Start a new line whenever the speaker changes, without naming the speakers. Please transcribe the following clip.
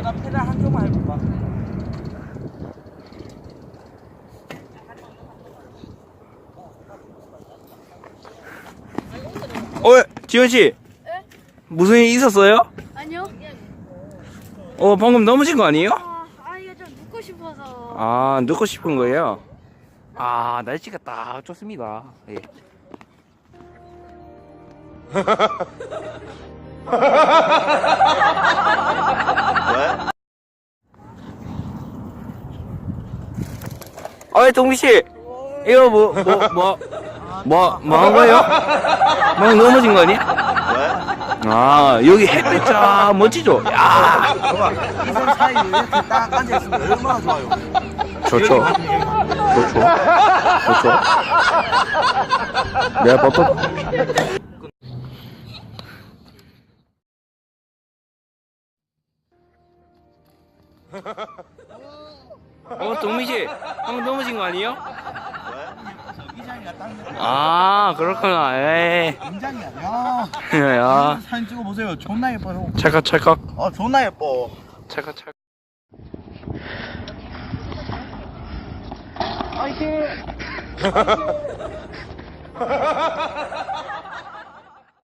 나 페달 한쪽만 해볼까?
지현씨.
네?
무슨 일 있었어요?
아니요.
방금 넘어진 거 아니에요?
이거 좀 눕고 싶어서.
아, 넣고 싶은 거예요? 아, 날씨가 딱 좋습니다. 예. 동미씨, 이거 뭐 한 거예요? 막 넘어진 거 아니야? 아, 여기 햇빛 쫙 멋지죠? 야,
이선 사이에 이렇게 딱 앉아있으면 얼마나 좋아요.
좋죠. 내가 버터. 동미씨, 방금 넘어진 거 아니에요?
이장이가 딱
아, 그렇구나. 에이.
인장이야.
야,
사진 찍어보세요. 존나 예뻐요.
찰칵.
존나 예뻐.
찰칵.
화이팅!